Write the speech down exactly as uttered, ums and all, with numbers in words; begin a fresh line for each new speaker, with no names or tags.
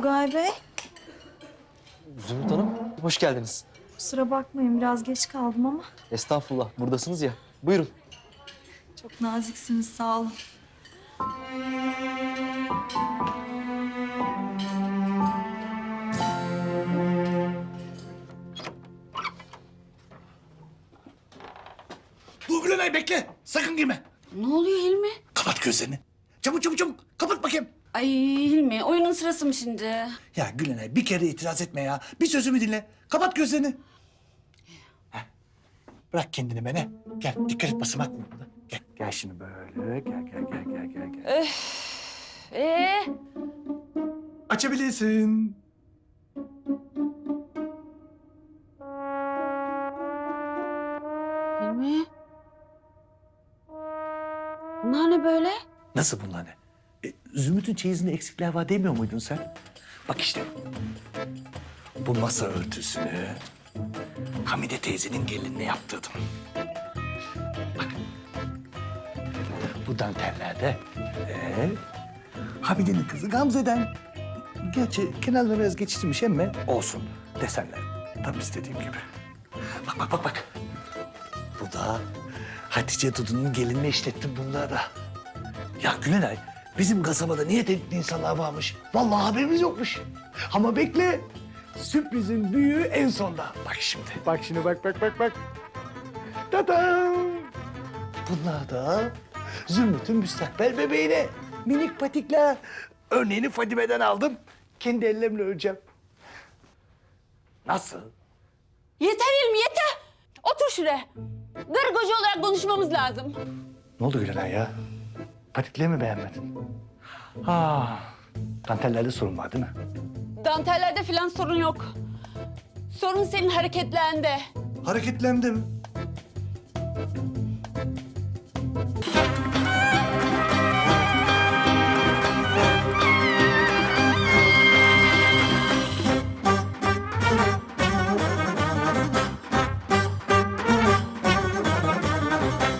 Tugay Bey,
Zümrüt Hanım, hoş geldiniz.
kusura bakmayın biraz geç kaldım ama
Estağfurullah, buradasınız ya. Buyurun.
çok naziksiniz, sağ olun.
Dur Gülenay bekle. Sakın girme.
Ne oluyor Hilmi?
Kapat gözlerini. Çabuk çabuk çabuk. Kapat bakayım.
Ay Hilmi, oyunun sırası mı şimdi?
Ya Gülenay bir kere itiraz etme ya. Bir sözümü dinle. Kapat gözlerini. Heh. Bırak kendini bana. Gel dikkat et basamak mı burada? Gel. Gel şimdi böyle. Gel gel gel gel gel. gel.
Ee,
Açabilirsin.
Hilmi? Bunlar ne böyle?
Nasıl bunlar ne? E, Zümrüt'ün çeyizinde eksikler var demiyor muydun sen? Bak işte. Bu masa örtüsünü Hamide teyzenin gelinine yaptırdım. Bak. Bu dantellerde ee, Hamide'nin kızı Gamze'den. Gerçi kenarları biraz geçiştirmiş ama olsun. Desenler tam istediğim gibi. Bak bak bak bak. Bu da Hatice Dudu'nun gelinine işlettim bunları da. Ya Gülenay, bizim kasabada niye teknikli insanlar varmış? Vallahi haberimiz yokmuş. Ama bekle, sürprizin büyüğü en sonda. Bak şimdi, bak şimdi, bak bak bak bak. Tadam! Bunlar da Zümrüt'ün müstakbel bebeğine minik patikler. Örneğini Fadime'den aldım. Kendi ellerimle öreceğim. Nasıl?
Yeter Hilmi, yeter! Otur şuraya. Karı koca olarak konuşmamız lazım.
Ne oldu Gülenay ya? Patikleri mi beğenmedin? Ha, dantellerde sorun var değil mi?
Dantellerde falan sorun yok. Sorun senin hareketlerinde.
Hareketlendi mi?